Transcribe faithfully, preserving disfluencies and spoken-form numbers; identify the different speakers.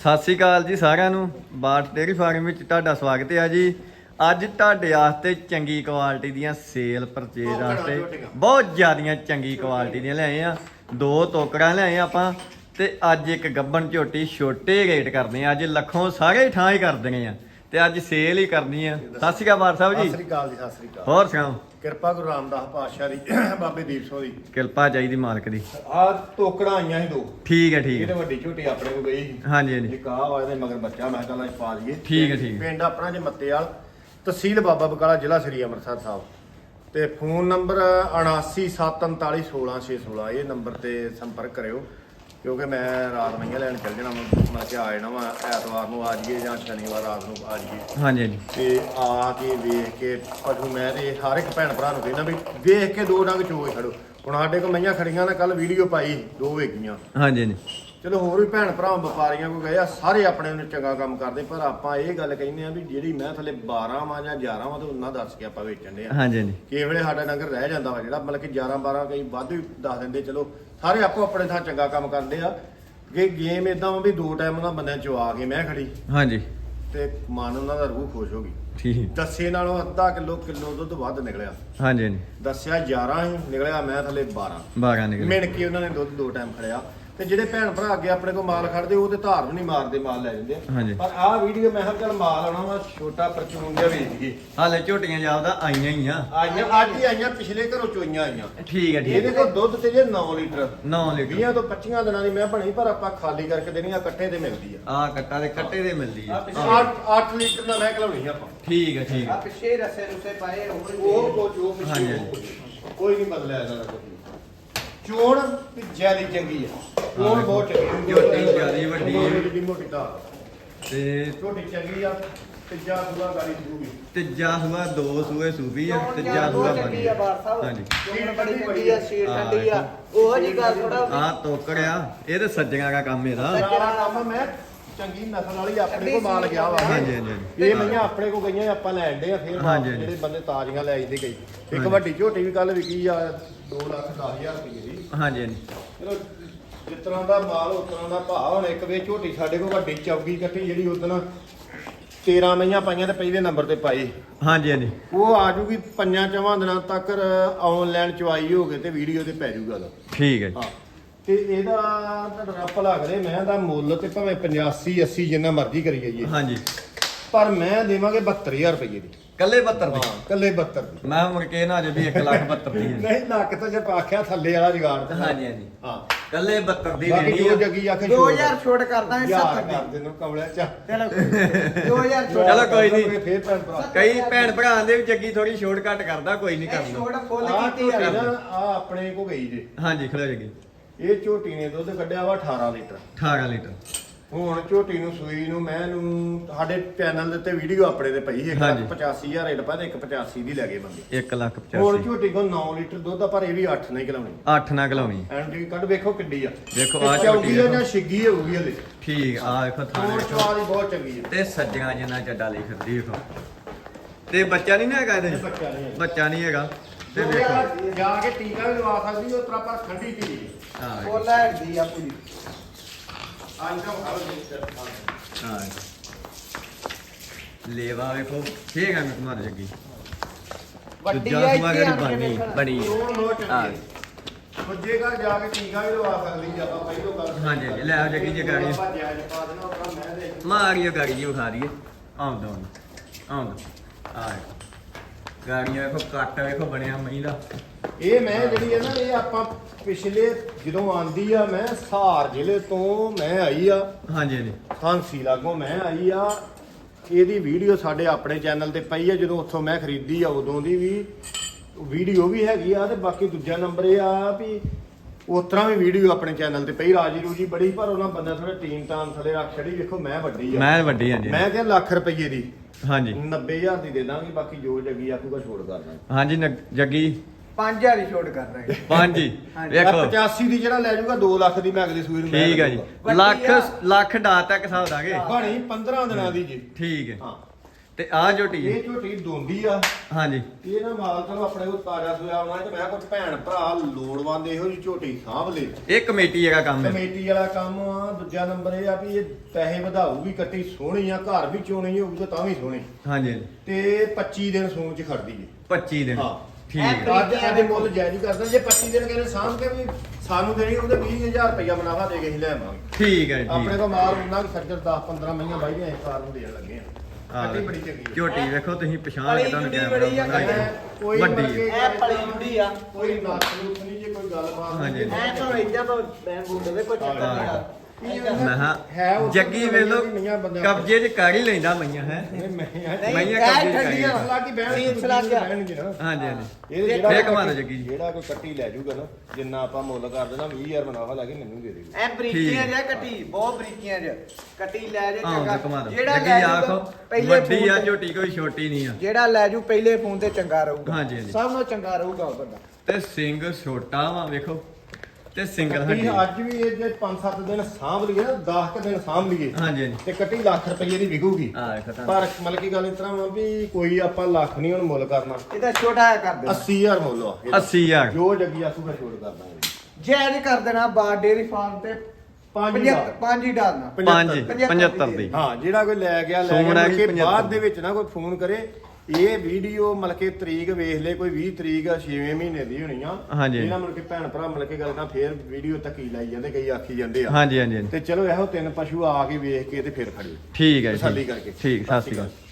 Speaker 1: ਸਤਿ ਸ਼੍ਰੀ ਅਕਾਲ ਜੀ ਸਾਰਿਆਂ ਨੂੰ। ਬਾਠ ਡੇਅਰੀ ਫਾਰਮ ਵਿੱਚ ਤੁਹਾਡਾ ਸਵਾਗਤ ਹੈ ਜੀ। ਅੱਜ ਤੁਹਾਡੇ ਵਾਸਤੇ ਚੰਗੀ ਕੁਆਲਿਟੀ ਦੀਆਂ ਸੇਲ ਪਰਚੇਜ ਵਾਸਤੇ ਬਹੁਤ ਜ਼ਿਆਦੀਆਂ ਚੰਗੀ ਕੁਆਲਿਟੀ ਦੀਆਂ ਲਿਆਏ ਆ। ਦੋ ਟੋਕਰਾਂ ਲਿਆਏ ਆਪਾਂ ਤੇ ਅੱਜ ਇੱਕ ਗੱਬਣ ਝੋਟੀ ਛੋਟੇ ਰੇਟ ਕਰਦੇ ਆ। ਅੱਜ ਲੱਖੋਂ ਸਾਰੇ ਥਾਂ ਹੀ ਕਰ ਦੇਣੇ ਆ ਤੇ ਅੱਜ ਸੇਲ ਹੀ ਕਰਨੀ ਆ। ਸਤਿ ਸ਼੍ਰੀ ਅਕਾਲ ਬਾਠ ਸਾਹਿਬ ਜੀ।
Speaker 2: ਸਤਿ ਸ਼੍ਰੀ ਅਕਾਲ ਜੀ। ਸਤਿ ਸ਼੍ਰੀ ਅਕਾਲ।
Speaker 1: ਹੋਰ ਸੁਣਾਓ।
Speaker 2: ਕਿਰਪਾ ਗੁਰੂ ਰਾਮਦਾਸ ਪਾਤਸ਼ਾਹ ਦੀ, ਬਾਬੇ ਦੀਪ ਸਿੰਘ ਦੀ
Speaker 1: ਕਿਰਪਾ ਚਾਹੀਦੀ ਮਾਲਕ ਦੀ।
Speaker 2: ਆ ਟੋਕੜਾਂ ਆਈਆਂ ਸੀ ਦੋ।
Speaker 1: ਠੀਕ ਹੈ ਠੀਕ
Speaker 2: ਇਹ ਤੇ
Speaker 1: ਹੈ।
Speaker 2: ਵੱਡੀ ਝੋਟੀ ਆਪਣੇ ਕੋਲ ਗਈ ਸੀ।
Speaker 1: ਹਾਂਜੀ ਹਾਂਜੀ
Speaker 2: ਇੱਕ ਆਹ ਵਾ ਇਹਦੇ ਮਗਰ ਬੱਚਾ, ਮੈਂ ਕਹਿੰਦਾ ਪਾ ਲਈਏ।
Speaker 1: ਠੀਕ ਹੈ, ਠੀਕ ਹੈ।
Speaker 2: ਪਿੰਡ ਆਪਣਾ ਜੇ ਮੱਤੇਵਾਲ, ਤਹਿਸੀਲ ਬਾਬਾ ਬਕਾਲਾ, ਜ਼ਿਲ੍ਹਾ ਸ੍ਰੀ ਅੰਮ੍ਰਿਤਸਰ ਸਾਹਿਬ। ਤੇ ਫੋਨ ਨੰਬਰ ਉਨਾਸੀ ਸੱਤ ਉਨਤਾਲੀ ਸੋਲਾਂ ਛੇ ਸੋਲਾਂ। ਇਹ ਨੰਬਰ ਤੇ ਸੰਪਰਕ ਕਰਿਓ ਕਿਉਂਕਿ ਮੈਂ ਰਾਤ ਮਈਆਂ ਲੈਣ ਚੱਲ ਜਾਣਾ, ਮੈਂ ਕਿ ਆ ਜਾਣਾ ਵਾ ਐਤਵਾਰ ਨੂੰ ਆ ਜਾਈਏ ਜਾਂ ਸ਼ਨੀਵਾਰ ਰਾਤ ਨੂੰ ਆ ਜਾਈਏ।
Speaker 1: ਹਾਂਜੀ ਹਾਂਜੀ
Speaker 2: ਤੇ ਆ ਕੇ ਵੇਖ ਕੇ ਪਸ਼ੂ ਮੈਂ ਤੇ ਹਰ ਇੱਕ ਭੈਣ ਭਰਾ ਨੂੰ ਕਹਿੰਦਾ ਵੀ ਵੇਖ ਕੇ ਦੋ ਡੰਗ ਚੋਏ ਖੜੋ। ਹੁਣ ਸਾਡੇ ਕੋਲ ਮਈਆਂ ਖੜੀਆਂ ਨੇ, ਕੱਲ ਵੀਡੀਓ ਪਾਈ ਦੋ ਵੇਖੀਆਂ।
Speaker 1: ਹਾਂਜੀ ਹਾਂਜੀ
Speaker 2: ਚਲੋ ਹੋਰ ਵੀ ਭੈਣ ਭਰਾ ਵਪਾਰੀਆਂ ਕੋ ਗਏ ਆ, ਸਾਰੇ ਆਪਣੇ ਨੂੰ ਚੰਗਾ ਕੰਮ ਕਰਦੇ, ਪਰ ਆਪਾਂ ਇਹ ਗੱਲ ਕਹਿੰਦੇ ਆ ਵੀ ਜਿਹੜੀ ਮੈਂ ਥੱਲੇ ਬਾਰਾਂ ਵਾਂ ਜਾਂ ਗਿਆਰਾਂ ਵਾਂ ਤੇ ਉਹਨਾਂ ਦੱਸ ਕੇ ਆਪਾਂ ਵੇਚਣ ਦੇ ਆ।
Speaker 1: ਹਾਂਜੀ ਹਾਂਜੀ
Speaker 2: ਕਿਸੇ ਵੇਲੇ ਸਾਡਾ ਡੰਗਰ ਰਹਿ ਜਾਂਦਾ ਵਾ ਜਿਹੜਾ ਮਤਲਬ ਕਿ ਗਿਆਰਾਂ ਬਾਰਾਂ ਕਈ ਵੱਧ ਵੀ ਦੱਸ ਦਿੰਦੇ। ਚਲੋ ਸਾਰੇ ਆਪੋ ਆਪਣੇ ਥਾਂ ਚੰਗਾ ਕੰਮ ਕਰਦੇ ਆ ਕਿ ਗੇਮ ਇਦਾਂ ਵਾ ਵੀ ਦੋ ਟਾਈਮ ਉਹਨਾਂ ਬੰਦਿਆਂ ਚ ਆ ਕੇ ਮੈਂ ਖੜੀ
Speaker 1: ਹਾਂਜੀ
Speaker 2: ਤੇ ਮਨ ਉਹਨਾਂ ਦਾ ਰੂਹ ਖੁਸ਼ ਹੋ ਗਈ।
Speaker 1: ਠੀਕ।
Speaker 2: ਦੱਸੇ ਨਾਲੋਂ ਅੱਧਾ ਕਿਲੋ ਕਿਲੋ ਦੁੱਧ ਵੱਧ ਨਿਕਲਿਆ।
Speaker 1: ਹਾਂਜੀ ਹਾਂਜੀ
Speaker 2: ਦੱਸਿਆ ਗਿਆਰਾਂ ਹੀ ਨਿਕਲਿਆ, ਮੈਂ ਥੱਲੇ ਬਾਰਾਂ।
Speaker 1: ਬਾਰਾਂ ਨਿਕਲੇ।
Speaker 2: ਮਿਣ ਕੇ ਉਹਨਾਂ ਨੇ ਦੁੱਧ ਦੋ ਟਾਈਮ ਖੜਿਆ। ਤੇ ਜਿਹੜੇ ਭੈਣ ਭਰਾ ਅੱਗੇ ਆਪਣੇ ਕੋਲ ਮਾਲ ਖੜਦੇ ਉਹ ਤੇ ਧਾਰ ਵੀ ਨਹੀਂ ਮਾਰਦੇ, ਮਾਲ ਲੈ ਜਾਂਦੇ
Speaker 1: ਹਾਂਜੀ।
Speaker 2: ਪਰ ਆਹ ਵੀਡੀਓ ਮੈਂ ਕਿਹਾ ਚੱਲ ਮਾਲ ਆਉਣਾ ਵਾ ਛੋਟਾ ਪਰਚੂਨ ਜਿਹਾ ਵੇਚ ਗਏ।
Speaker 1: ਹਾਲੇ ਝੋਟੀਆਂ ਜਾਪਦਾ ਆਈਆਂ ਹੀ ਆ।
Speaker 2: ਆਈਆਂ ਅੱਜ ਹੀ ਆਈਆਂ, ਪਿਛਲੇ ਘਰੋਂ ਚੋਈਆਂ ਆਈਆਂ।
Speaker 1: ਠੀਕ ਹੈ ਠੀਕ
Speaker 2: ਇਹਦੇ
Speaker 1: ਹੈ।
Speaker 2: ਕੋਲ ਦੁੱਧ ਤੇ ਜੇ ਨੌ ਲੀਟਰ
Speaker 1: ਨੌ ਲੀਟਰ
Speaker 2: ਵੀਹ ਤੋਂ ਪੱਚੀਆਂ ਦਿਨਾਂ ਦੀ ਮੈਂ ਬਣੀ, ਪਰ ਆਪਾਂ ਖਾਲੀ ਕਰਕੇ ਦੇਣੀ ਆ, ਇਕੱਠੇ ਤੇ ਮਿਲਦੀ ਆ।
Speaker 1: ਆ ਕੱਟਾ ਦੇ ਕੱਟੇ ਦੇ ਮਿਲਦੀ ਆ।
Speaker 2: ਅੱਠ ਲੀਟਰ ਨਾਲ ਮੈਂ ਘਲਾਉਣੀ ਆਪਾਂ।
Speaker 1: ਠੀਕ ਹੈ ਠੀਕ
Speaker 3: ਆ
Speaker 1: ਹੈ।
Speaker 3: ਪਿੱਛੇ ਰਸੇ ਰੁਸੇ ਪਾਏ ਹੋਰ ਵੀ
Speaker 2: ਉਹ ਕੁਝ ਉਹ ਪਿੱਛੇ
Speaker 1: ਹਾਂਜੀ,
Speaker 2: ਉਹ ਕੁਝ। ਕੋਈ ਨਹੀਂ ਬਦਲਿਆ ਇਹਦਾ ਕੁਝ। ਚੋਣ ਵੀ ਜਿਆਦੀ ਚੰਗੀ ਆ। ਚੋਣ ਬਹੁਤ ਚੰਗੀ।
Speaker 1: ਝੋਟੀ ਜ਼ਿਆਦੀ ਵੱਡੀ ਹੈ।
Speaker 2: ਵੱਡੀ ਮੋਟੀ ਧਾਰ
Speaker 1: ਤੇ
Speaker 2: ਝੋਟੀ ਚੰਗੀ ਆ। ਤੀਜਾ ਸੂਆ ਗਾੜੀ ਸੂਗੀ।
Speaker 1: ਤੀਜਾ ਸੂਆ ਦੋ ਸੂਏ ਸੂਬੀ ਆ। ਤੀਜਾ ਸੂਆ ਬਣੀ
Speaker 3: ਆ ਬਾਰ ਸਾਹਿਬ।
Speaker 1: ਹਾਂਜੀ।
Speaker 3: ਚੋਣ ਬੜੀ ਚੰਗੀ ਆ, ਸ਼ੇਰ ਠੰਡੀ ਆ। ਉਹ ਜੀ ਗੱਲ ਥੋੜਾ
Speaker 1: ਆ ਟੋਕਰ ਆ, ਇਹ ਤੇ ਸੱਜਣਾ ਦਾ ਕੰਮ ਇਹਦਾ।
Speaker 2: ਸਾਰਾ ਕੰਮ ਮੈਂ ਚੰਗੀ ਨਸਲ ਵਾਲੀ ਆਪਣੇ ਕੋਲ ਮਾਲ ਗਿਆ ਵਾ।
Speaker 1: ਹਾਂਜੀ ਹਾਂਜੀ ਹਾਂਜੀ।
Speaker 2: ਇਹ ਮਈਆਂ ਆਪਣੇ ਕੋਲ ਗਈਆਂ, ਆਪਾਂ ਲੈਣ ਦੇ ਆ। ਫਿਰ
Speaker 1: ਹਾਂਜੀ, ਹਾਂਜੀ।
Speaker 2: ਜਿਹੜੇ ਬੰਦੇ ਤਾਜ਼ੀਆਂ ਲੈ ਜਾਂਦੇ ਕਈ। ਇੱਕ
Speaker 1: ਹਾਂਜੀ।
Speaker 2: ਵੱਡੀ ਝੋਟੀ ਵੀ ਕੱਲ ਵਿਕੀ ਆ ਦੋ ਲੱਖ ਦਸ ਹਜ਼ਾਰ ਰੁਪਏ ਦੀ।
Speaker 1: ਹਾਂਜੀ ਹਾਂਜੀ
Speaker 2: ਚਲੋ ਜਿਸ ਤਰ੍ਹਾਂ ਦਾ ਮਾਲ ਉਸ ਤਰ੍ਹਾਂ ਦਾ ਭਾਅ। ਹੁਣ ਇੱਕ ਵੇ ਝੋਟੀ ਸਾਡੇ ਕੋਲ ਵੱਡੀ ਚੌਗੀ ਕੱਟੀ ਜਿਹੜੀ ਉਦੋਂ ਤੇਰਾਂ ਮਈਆਂ ਪਾਈਆਂ ਤੇ ਪਹਿਲੇ ਨੰਬਰ ਤੇ ਪਾਈ,
Speaker 1: ਹਾਂਜੀ ਹਾਂਜੀ
Speaker 2: ਉਹ ਆ ਜੂਗੀ ਪੰਜਾਂ ਚਵਾਂ ਦਿਨਾਂ ਤੱਕ ਆਨਲਾਈਨ ਚਵਾਈ ਹੋ ਗਏ ਤੇ ਵੀਡੀਓ ਤੇ ਪੈ ਜੂਗਾ।
Speaker 1: ਠੀਕ ਹੈ ਜੀ।
Speaker 2: ਹਾਂ ਤੇ ਇਹਦਾ ਤੁਹਾਡਾ ਭਲਾ ਕਰੇ, ਮੈਂ ਦਾ ਮੁੱਲ ਤੇ ਭਾਵੇਂ ਪਚਾਸੀ ਅੱਸੀ ਜਿੰਨਾ ਮਰਜ਼ੀ ਕਰੀ ਜਾਈਏ,
Speaker 1: ਹਾਂਜੀ
Speaker 2: ਪਰ ਮੈਂ ਦੇਵਾਂਗੇ ਬਹੱਤਰ ਹਜ਼ਾਰ ਰੁਪਏ ਦੀ।
Speaker 1: ਕੱਲੇ ਬੱਤਰ ਦੀ।
Speaker 2: ਹਾਂ ਕੱਲੇ ਬਹੱਤਰ ਦੀ।
Speaker 1: ਮੈਂ ਮੁੜ ਕੇ ਨਾ ਜੇ ਵੀ ਇੱਕ ਲੱਖ ਬੱਤਰ ਦੀ ਹੈ।
Speaker 2: ਨਹੀਂ ਲੱਖ ਤਾਂ ਜੇ ਆਖਿਆ ਥੱਲੇ ਵਾਲਾ ਜੁਗਾੜ ਤੇ।
Speaker 1: ਹਾਂਜੀ ਹਾਂਜੀ
Speaker 2: ਹਾਂ
Speaker 1: ਕੱਲੇ ਬੱਤਰ ਦੀ
Speaker 2: ਬਾਕੀ
Speaker 1: ਦੇਣੀ
Speaker 2: ਜੋ
Speaker 1: ਆ।
Speaker 2: ਜੱਗੀ ਆਖੇ
Speaker 3: ਦੋ ਹਜ਼ਾਰ ਛੋਟ ਕਰ ਦਾਂਗੇ
Speaker 2: ਯਾਰ
Speaker 3: ਸੱਤਰ
Speaker 2: ਕਰ
Speaker 3: ਦੀ।
Speaker 2: ਦੇ ਨੂੰ ਕਮਲਿਆ ਚਾ।
Speaker 3: ਚਲੋ ਦੋ ਹਜ਼ਾਰ ਛੋਟ।
Speaker 1: ਚਲੋ ਕੋਈ ਨਹੀਂ।
Speaker 2: ਫੇਰ ਭੈਣ ਭਰਾ
Speaker 1: ਕਈ ਭੈਣ ਭਰਾ ਦੇ ਵੀ ਜੱਗੀ ਥੋੜੀ ਛੋਟ ਘੱਟ ਕਰਦਾ, ਕੋਈ ਨਹੀਂ
Speaker 3: ਇਹ
Speaker 1: ਕਰਦਾ।
Speaker 3: ਛੋਟ ਫੁੱਲ
Speaker 2: ਆਹ
Speaker 3: ਕੀਤੀ ਆ।
Speaker 2: ਝੋਟੀ ਨਾ ਆ ਆਪਣੇ ਕੋ ਗਈ ਜੇ।
Speaker 1: ਹਾਂਜੀ ਖਲੋ ਜੱਗੀ।
Speaker 2: ਇਹ ਝੋਟੀ ਨੇ ਦੁੱਧ ਕੱਢਿਆ ਵਾ ਅਠਾਰਾਂ ਲੀਟਰ।
Speaker 1: ਅਠਾਰਾਂ ਲੀਟਰ।
Speaker 2: ਹੁਣ ਝੋਟੀ ਨੂੰ ਸੂਈ ਨੂੰ ਮੈਂ ਨੂੰ ਸਾਡੇ ਚੈਨਲ ਦੇ ਉੱਤੇ ਵੀਡੀਓ ਆਪਣੇ ਤੇ ਪਈ ਇੱਕ
Speaker 1: ਹਾਂਜੀ।
Speaker 2: ਲੱਖ ਪਚਾਸੀ ਹਜ਼ਾਰ ਰੇਟ ਪਾ ਤੇ ਇੱਕ ਪਚਾਸੀ ਦੀ ਲੈ ਗਏ ਬੰਦੇ।
Speaker 1: ਇੱਕ ਲੱਖ
Speaker 2: ਹੁਣ
Speaker 1: ਪਚਾਸੀ।
Speaker 2: ਝੋਟੀ ਕੋ ਨੌ ਲੀਟਰ ਦੁੱਧ ਆ, ਪਰ ਇਹ ਵੀ ਅੱਠ ਨਹੀਂ ਖਲਾਉਣੀ।
Speaker 1: ਅੱਠ ਨਾ ਘਲਾਉਣੀ।
Speaker 2: ਐਂਡ ਜੀ ਕੱਢ ਵੇਖੋ ਕਿੱਡੀ ਆ।
Speaker 1: ਦੇਖੋ
Speaker 2: ਤੇ
Speaker 1: ਆਹ
Speaker 2: ਚੌਗੀ
Speaker 1: ਝੋਟੀ
Speaker 2: ਆ
Speaker 1: ਦੇਖੋ।
Speaker 2: ਜਾਂ ਛਿੱਗੀ ਹੋਊਗੀ ਇਹਦੇ।
Speaker 1: ਠੀਕ ਆ ਵੇਖੋ ਥਾਣੇ
Speaker 2: ਹੋਰ
Speaker 1: ਵੇਖੋ।
Speaker 2: ਸਵਾਦ ਹੀ ਬਹੁਤ ਚੰਗੀ ਆ।
Speaker 1: ਤੇ ਸੱਜਣਾ ਜਿੰਨਾ ਚੱਡਾ ਲਈ ਫਿਰਦੀ ਵੇਖੋ। ਤੇ ਬੱਚਾ ਨਹੀਂ ਨਾ ਹੈਗਾ ਇਹਦੇ
Speaker 2: ਇਹ
Speaker 1: ਚ?
Speaker 2: ਬੱਚਾ ਨਹੀਂ ਹੈ।
Speaker 1: ਬੱਚਾ ਨਹੀਂ ਹੈਗਾ ਤੇ
Speaker 2: ਤੇ
Speaker 1: ਵੇਖੋ।
Speaker 2: ਜਾ ਕੇ ਟੀਕਾ ਵੀ ਲਵਾ ਸਕਦੀ ਉਹ ਤਰਾ ਪਰ ਠੰਡੀ ਧੀ
Speaker 1: ਹਾਂ
Speaker 3: ਫੁੱਲ ਹੈਗੀ ਆ ਪੂਰੀ।
Speaker 2: ਅੱਜ ਤਾਂ ਖਾਓ ਜੀ।
Speaker 1: ਹਾਂ ਲੇਵਾ ਵੇਖੋ। ਠੀਕ ਹੈ ਮੈਂ ਮਾਰ ਜੱਗੀ।
Speaker 3: ਵੱਡੀ
Speaker 1: ਦੂਜਾ
Speaker 3: ਆ
Speaker 1: ਸਮਾਂ
Speaker 3: ਇੱਥੇ
Speaker 1: ਗੜੀ
Speaker 3: ਆਣ ਕੇ
Speaker 1: ਬਣੀ
Speaker 3: ਵੇਖਣਾ।
Speaker 1: ਬਣੀ।
Speaker 2: ਹੋਰ ਬਹੁਤ
Speaker 1: ਹਾਂ
Speaker 2: ਚੰਗੀ। ਦੂਜੇ ਘਰ ਜਾ ਕੇ ਟੀਕਾ ਵੀ ਲਵਾ ਸਕਦੀ ਜੇ ਆਪਾਂ ਪਹਿਲੋਂ ਗੱਲ।
Speaker 1: ਹਾਂਜੀ, ਹਾਂਜੀ, ਲੈ ਆਓ ਜੱਗੀ ਜੀ ਗਾੜੀ।
Speaker 2: ਆਪਾਂ ਜਾਇਜ਼ ਪਾ ਦੇਣਾ ਆਪਣਾ ਮੈਂ ਦੇ।
Speaker 1: ਮਾਰੀਓ ਗਾੜੀ ਜੀ ਵਿਖਾ ਦਈਏ। ਆਉਂਦਾ ਆਉਂਦਾ ਆ ਗਾੜੀਆਂ ਵੇਖੋ, ਕੱਟ ਵੇਖੋ ਬਣਿਆ ਮਹੀਂ ਦਾ।
Speaker 2: ਇਹ ਮੈਂ ਜਿਹੜੀ ਹੈ ਨਾ ਇਹ ਆਪਾਂ ਪਿਛਲੇ ਜਦੋਂ ਆਂਦੀ ਆ ਮੈਂ ਸਹਾਰ ਜ਼ਿਲ੍ਹੇ ਤੋਂ ਮੈਂ ਆਈ ਆ
Speaker 1: ਹਾਂਜੀ ਹਾਂਜੀ
Speaker 2: ਹਾਂਸੀ ਲਾਗੋਂ ਮੈਂ ਆਈ ਆ। ਇਹਦੀ ਵੀਡੀਓ ਸਾਡੇ ਆਪਣੇ ਚੈਨਲ ਤੇ ਪਈ ਆ। ਜਦੋਂ ਉੱਥੋਂ ਮੈਂ ਖਰੀਦੀ ਆ ਉਦੋਂ ਦੀ ਵੀ ਵੀਡੀਓ ਵੀ ਹੈਗੀ ਆ। ਤੇ ਬਾਕੀ ਦੂਜਾ ਨੰਬਰ ਇਹ ਆ ਵੀ ਉਸ ਤਰ੍ਹਾਂ ਵੀ ਵੀਡੀਓ ਆਪਣੇ ਚੈਨਲ ਤੇ ਪਈ। ਰਾਜੀ ਰੂਜੀ ਬੜੀ, ਪਰ ਉਹਨਾਂ ਬੰਦਾ ਥੋੜਾ ਟੀਮ ਟਾਮ ਥਲੇ ਰੱਖ ਛੜੀ। ਵੇਖੋ ਮੈਂ ਵੱਡੀ ਆ।
Speaker 1: ਮੈਂ ਵੱਡੀ ਹਾਂਜੀ
Speaker 2: ਮੈਂ ਕਿਹਾ ਲੱਖ ਰੁਪਏ ਦੀ
Speaker 1: ਹਾਂਜੀ
Speaker 2: ਨੱਬੇ ਹਜ਼ਾਰ ਦੀ ਦੇ ਦਾਂਗੇ। ਬਾਕੀ ਜੋ ਜੱਗੀ ਆਖੂਗਾ ਛੋੜ ਕਰ ਦਾਂਗੇ।
Speaker 1: ਹਾਂਜੀ ਨ- ਜੱਗੀ
Speaker 3: ਪੰਜ ਹਜ਼ਾਰ ਹੀ ਛੋਟ ਕਰ ਦਾਂਗੇ।
Speaker 1: ਪੰਜ ਹੀ
Speaker 3: ਹਾਂਜੀ।
Speaker 1: ਵੇਖੋ।
Speaker 2: ਪਚਾਸੀ ਦੀ ਜਿਹੜਾ ਲੈ ਜਾਊਗਾ ਦੋ ਲੱਖ ਦੀ ਮੈਂ ਅਗਲੀ ਸੂਈ ਨੂੰ ਮੈਂ
Speaker 1: ਠੀਕ ਹੈ ਜੀ।
Speaker 2: ਦਊਂਗਾ।
Speaker 1: ਲੱਖ ਲੱਖ ਡਾ ਤੱਕ ਹਿਸਾਬ ਦਾਂਗੇ।
Speaker 2: ਬਣੀ ਪੰਦਰਾਂ ਦਿਨਾਂ ਦੀ ਜੀ।
Speaker 1: ਠੀਕ ਹੈ।
Speaker 2: ਹਾਂ
Speaker 1: ਤੇ ਆ ਝੋਟੀ
Speaker 2: ਇਹ ਝੋਟੀ ਦੋਂਦੀ ਆ
Speaker 1: ਹਾਂਜੀ
Speaker 2: ਇਹ ਨਾ ਮਾਲ ਚਲੋ ਆਪਣੇ ਕੋਲ ਤਾਜ਼ਾ ਸੋਇਆ ਹੋਣਾ ਤੇ ਮੈਂ ਕੁਝ ਭੈਣ ਭਰਾ ਲੋੜਵੰਦ ਇਹੋ ਜਿਹੀ ਝੋਟੀ ਸਾਂਭ ਲੇ
Speaker 1: ਇਹ ਕਮੇਟੀ ਹੈਗਾ ਕੰਮ ਹੈ
Speaker 2: ਕਮੇਟੀ ਵਾਲਾ ਕੰਮ ਆ। ਦੂਜਾ ਨੰਬਰ ਇਹ ਆ ਵੀ ਇਹ ਪੈਸੇ ਵਧਾਊਗੀ, ਕੱਟੀ ਸੋਹਣੀ ਆ, ਘਰ ਵੀ ਚੋਣੀ ਹੋਊਗੀ ਤਾਂ ਵੀ ਸੋਹਣੀ
Speaker 1: ਹਾਂਜੀ ਹਾਂਜੀ
Speaker 2: ਤੇ ਪੱਚੀ ਦਿਨ ਸੂਣ ਚ ਖੜਦੀ ਏ।
Speaker 1: ਪੱਚੀ ਦਿਨ
Speaker 2: ਹਾਂ
Speaker 1: ਠੀਕ ਹੈ
Speaker 2: ਅੱਜ ਸਾਡੇ ਮੁੱਲ ਜਾਇਜ਼ ਹੀ ਕਰਦਾ ਜੇ ਪੱਚੀ ਦਿਨ ਕਹਿੰਦੇ ਸਾਂਭ ਕੇ ਵੀ ਸਾਨੂੰ ਦੇਣੀ ਉਹਦੇ ਵੀਹ ਹਜ਼ਾਰ ਰੁਪਇਆ ਮੁਨਾਫਾ ਦੇ ਕੇ ਹੀ ਲੈ ਆਵਾਂਗੇ।
Speaker 1: ਠੀਕ ਹੈ
Speaker 2: ਆਪਣੇ
Speaker 1: ਠੀਕ
Speaker 2: ਕੋਲ ਮਾਲ ਉਹਨਾਂ ਕੁ ਸੱਜਰ ਦਸ ਪੰਦਰਾਂ ਮਹੀਆਂ ਬਾਈ ਦੇ ਕਾਰ ਨੂੰ ਦੇਣ ਲੱਗੇ ਆ।
Speaker 1: ਆ
Speaker 2: ਕੱਟੀ ਬੜੀ ਚੰਗੀ ਆ।
Speaker 1: ਝੋਟੀ ਵੇਖੋ ਤੁਸੀਂ ਪਛਾਣ
Speaker 3: ਪਲੀ
Speaker 1: ਕੇ ਤੁਹਾਨੂੰ
Speaker 3: ਜੁੜੀ
Speaker 1: ਕੈਮਰਾ
Speaker 3: ਬੜੀ ਆ,
Speaker 1: ਦਿਖਾਈ
Speaker 2: ਐ ਕੋਈ
Speaker 1: ਵੱਡੀ
Speaker 2: ਮਤਲਬ ਕਿ
Speaker 3: ਇਹ ਪਲੀ ਜੁੜੀ ਆ
Speaker 2: ਕੋਈ ਨੱਥ ਨੁੱਥ ਨਹੀਂ ਜੇ ਕੋਈ ਗੱਲਬਾਤ
Speaker 1: ਹਾਂਜੀ।
Speaker 3: ਐ ਤਾਂ ਇੱਦਾਂ ਤਾਂ ਮੈਂ ਬੁੱਢੇ ਦੇ ਕੋਈ ਚੱਕਰ ਨਹੀਂ ਆ
Speaker 1: ਮੈਂ
Speaker 2: ਹੈ
Speaker 1: ਹਾਂ
Speaker 2: ਉਹ
Speaker 1: ਜੱਗੀ ਵੇਲੋ
Speaker 2: ਮਈਆਂ ਬੰਦਿਆਂ
Speaker 1: ਕਬਜੇ 'ਚ ਕਰ ਹੀ ਲੈਂਦਾ ਮਈਆਂ ਹੈ
Speaker 2: ਨਹੀਂ ਮੈਂ
Speaker 3: ਨਹੀਂ
Speaker 1: ਮਈਆਂ
Speaker 3: ਇਹ
Speaker 1: ਕਬਜ਼ੇ ਚ
Speaker 3: ਠੰਡੀਆਂ
Speaker 1: ਕਰੀਆਂ।
Speaker 2: ਸਲਾਕੀ ਬਹਿਣ
Speaker 3: ਸੀਲ ਸਲਾਕੀ ਆ।
Speaker 2: ਬਹਿਣਗੇ ਨਾ
Speaker 1: ਹਾਂਜੀ ਹਾਂਜੀ
Speaker 2: ਇਹ
Speaker 1: ਫੇਰ
Speaker 2: ਜਿਹੜਾ
Speaker 1: ਘੁਮਾ ਦਿਓ ਜੱਗੀ ਜੀ।
Speaker 2: ਜਿਹੜਾ ਕੋਈ ਕੱਟੀ ਲੈ ਜਾਊਗਾ ਨਾ ਜਿੰਨਾ ਆਪਾਂ ਮੁੱਲ ਕਰ ਦੇਣਾ ਵੀਹ ਹਜ਼ਾਰ ਮੁਨਾਫਾ ਲਾ ਕੇ ਮੈਨੂੰ ਦੇ ਦੇਗਾ।
Speaker 3: ਐ ਬਰੀਕੀਆਂ ਜਿਹਾ ਕੱਟੀ ਬਹੁਤ ਬਰੀਕੀਆਂ ਜਿਹਾ ਕੱਟੀ ਲੈ ਜੇ
Speaker 1: ਹਾਂ
Speaker 3: ਚੰਗਾ
Speaker 1: ਤੇ ਘੁਮਾ ਦਿਓ
Speaker 3: ਜਿਹੜਾ
Speaker 1: ਜੱਗੀ
Speaker 3: ਲੈ
Speaker 1: ਜੀ
Speaker 3: ਜੂਗਾ
Speaker 1: ਆਖੋ
Speaker 3: ਪਹਿਲੇ
Speaker 1: ਵੱਡੀ
Speaker 3: ਫੋਨ
Speaker 1: ਆ
Speaker 3: ਤੇ-
Speaker 1: ਝੋਟੀ ਕੋਈ ਛੋਟੀ ਨਹੀਂ ਆ
Speaker 3: ਜਿਹੜਾ ਲੈ ਜੂ ਪਹਿਲੇ ਫੋਨ ਤੇ ਚੰਗਾ ਰਹੂਗਾ
Speaker 1: ਹਾਂਜੀ, ਹਾਂਜੀ।
Speaker 3: ਸਭ ਨੂੰ ਚੰਗਾ ਰਹੂਗਾ ਉਹ ਬੰਦਾ
Speaker 1: ਤੇ ਸਿੰਘ ਛੋਟਾ ਵਾ ਵੇਖੋ ਤੇ ਸਿੰਗਲ
Speaker 2: ਕੱਟੀ
Speaker 1: ਹੱਡੀ
Speaker 2: ਅੱਜ ਵੀ ਇਹ ਜੇ ਪੰਜ ਸੱਤ ਦਿਨ ਸਾਂਭ ਲਈਏ ਨਾ ਦਸ ਕੁ ਦਿਨ ਸਾਂਭ ਲਈਏ
Speaker 1: ਹਾਂਜੀ ਹਾਂਜੀ
Speaker 2: ਤੇ ਕੱਟੀ ਲੱਖ ਰੁਪਏ ਦੀ ਵਿਕੂਗੀ।
Speaker 1: ਆ ਵੇਖੋ ਤਾਂ
Speaker 2: ਪਰ ਮਤਲਬ ਕੀ ਗੱਲ ਇਸ ਤਰ੍ਹਾਂ ਵਾ ਵੀ ਕੋਈ ਆਪਾਂ ਲੱਖ ਨਹੀਂ ਹੁਣ ਮੁੱਲ ਕਰਨਾ।
Speaker 3: ਇਹਦਾ ਛੋਟਾ ਜਿਹਾ ਕਰ ਦੇਣਾ
Speaker 2: ਅੱਸੀ ਹਜ਼ਾਰ ਮੁੱਲ ਆ ਇਹਦਾ।
Speaker 1: ਅੱਸੀ ਹਜ਼ਾਰ
Speaker 2: ਜੋ ਜੱਗੀ ਆਸੂਗਾ ਛੋੜ ਕਰ ਦਾਂਗੇ।
Speaker 3: ਜੈਜ ਕਰ ਦੇਣਾ ਬਾਰ ਡੇਰੀ ਫਾਰਮ ਤੇ
Speaker 2: ਪੰਜ
Speaker 3: ਪੰਜ
Speaker 2: ਹਜ਼ਾਰ।
Speaker 3: ਪੰਜ ਹੀ ਡਾਲਣਾ
Speaker 1: ਪੰਜ
Speaker 3: ਪਝੱਤਰ
Speaker 1: ਪਝੱਤਰ ਦੀ
Speaker 2: ਹਾਂ ਜਿਹੜਾ ਕੋਈ ਲੈ ਗਿਆ ਲੈ
Speaker 1: ਸੋਨਾ
Speaker 2: ਗਿਆ
Speaker 1: ਵੀ
Speaker 2: ਕਿ
Speaker 1: ਪਝੱਤਰ
Speaker 2: ਬਾਅਦ ਦੇ ਵਿੱਚ ਨਾ ਕੋਈ ਫੋਨ ਕਰੇ। ਇਹ ਵੀਡੀਓ ਮਤਲਬ ਕਿ ਤਰੀਕ ਵੇਖ ਲੈ ਕੋਈ ਵੀਹ ਤਰੀਕ ਛੇਵੇਂ ਮਹੀਨੇ ਦੀ ਹੋਣੀ ਆ।
Speaker 1: ਹਾਂਜੀ।
Speaker 2: ਇਹਨਾਂ ਮਤਲਬ ਕਿ ਭੈਣ ਭਰਾ ਮਿਲ ਕੇ ਗੱਲ ਤਾਂ ਫੇਰ ਵੀਡੀਓ ਤੱਕੀ ਲਾਈ ਜਾਂਦੇ ਕਈ ਆਖੀ ਜਾਂਦੇ ਆ।
Speaker 1: ਹਾਂਜੀ ਹਾਂਜੀ ਹਾਂਜੀ।
Speaker 2: ਤੇ ਚਲੋ ਇਹੋ ਤਿੰਨ ਪਸ਼ੂ ਆ ਕੇ ਵੇਖ ਕੇ ਤੇ ਫਿਰ ਖੜੇ
Speaker 1: ਠੀਕ ਹੈ
Speaker 2: ਤਸੱਲੀ
Speaker 1: ਜੀ
Speaker 2: ਕਰਕੇ।
Speaker 1: ਠੀਕ ਸਤਿ ਸ਼੍ਰੀ ਅਕਾਲ